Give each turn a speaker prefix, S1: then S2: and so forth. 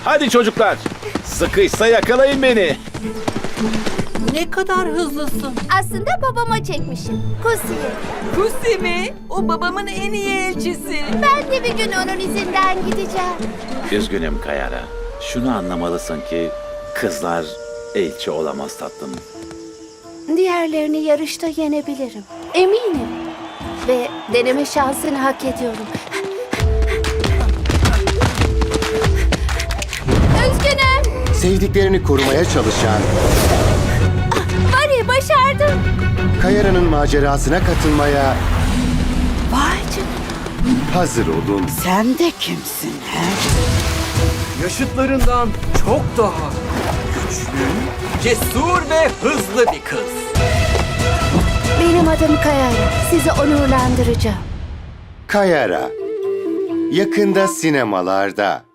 S1: Hadi çocuklar. Sıkıysa yakalayın beni.
S2: Ne kadar hızlısın.
S3: Aslında babama çekmişim. Kusi'ye.
S2: Kusi mi? O babamın en iyi elçisi.
S3: Ben de bir gün onun izinden gideceğim.
S1: Üzgünüm Kayara. Şunu anlamalısın ki kızlar elçi olamaz tatlım.
S3: Diğerlerini yarışta yenebilirim. Eminim. Ve deneme şansını hak ediyorum. Üzgünüm.
S4: Sevdiklerini korumaya çalışan
S3: Bari başardım.
S4: Kayara'nın macerasına katılmaya
S2: Vay canına.
S4: hazır olun.
S2: Sen de kimsin he?
S5: Yaşıtlarından çok daha güçlü, cesur ve hızlı bir kız.
S3: Benim adım Kayara. Sizi onurlandıracağım.
S4: Kayara. Yakında sinemalarda.